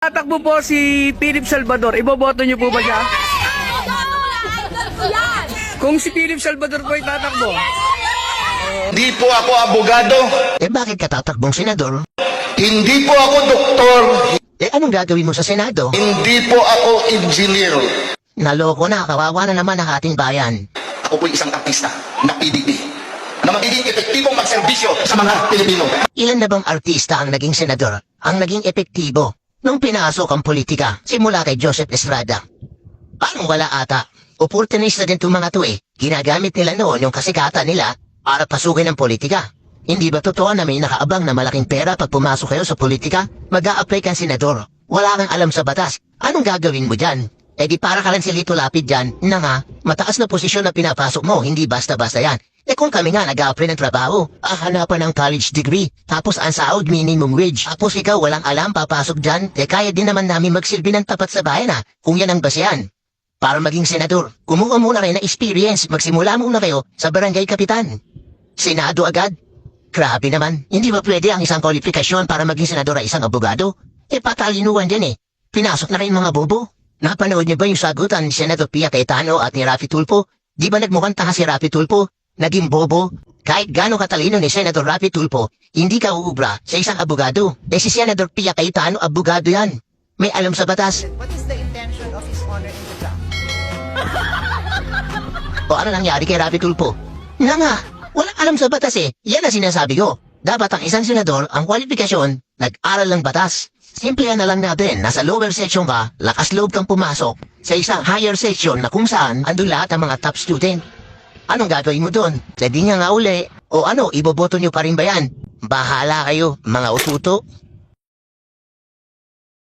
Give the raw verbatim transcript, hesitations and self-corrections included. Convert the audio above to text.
Tatakbo po si Philip Salvador. Iboboto niyo po ba siya? Kung si Philip Salvador po ay tatakbo. Hindi po ako abogado. Eh bakit ka tatakbong senador? Hindi po ako doktor. Eh anong gagawin mo sa Senado? Hindi po ako engineer. Naloko na, kawawa na naman ang ating bayan. Ako po isang artista na P D P na magiging epektibong magserbisyo sa mga Pilipino. Ilan na bang artista ang naging senador? Ang naging epektibo nung pinasok ang politika simula kay Joseph Estrada? Parang wala ata. Opportunista din itong mga to eh. Ginagamit nila noon yung kasikatan nila para pasukin ang politika. Hindi ba totoo na may nakaabang na malaking pera pag pumasok kayo sa politika? Mag-a-apply kang senador. Wala kang alam sa batas. Anong gagawin mo dyan? Eh di para ka lang si Lito Lapid dyan na nga, mataas na posisyon na pinapasok mo, hindi basta-basta yan. Eh kung kami nga nag-a-apply ng trabaho, ah, hanapan ng college degree, tapos ang sahod minimum wage, tapos ikaw walang alam papasok dyan, eh kaya din naman namin magsilbi ng tapat sa bayan ha, kung yan ang basehan. Para maging senador, kumuha muna kayo na experience, magsimula muna kayo sa barangay kapitan. Senado agad? Grabe naman, hindi ba pwede ang isang kwalifikasyon para maging senador ay isang abogado? Eh patalinuan din eh, pinasok na rin mga bobo. Napanood niyo ba yung sagutan ni Senator Pia Cayetano at ni Raffy Tulfo? Di ba nagmukhang tanga si Raffy Tulfo? Naging bobo? Kahit gaano katalino ni Senator Raffy Tulfo, hindi ka uubra sa isang abogado. Eh si Senator Pia Cayetano, abogado yan. May alam sa batas. What is the intention of His Honor in the draft? O ano nangyari kay Raffy Tulfo? Na nga, walang alam sa batas eh. Yan ang sinasabi ko. Dapat ang isang senador, ang kwalifikasyon, nag-aral ng batas. Simple na lang natin, nasa lower section ka, lakas loob kang pumasok sa isang higher section na kung saan andun lahat ang mga top student. Anong gagawin mo doon? Pwede nga nga uli. O ano, iboboto nyo pa rin ba yan? Bahala kayo, mga ututo.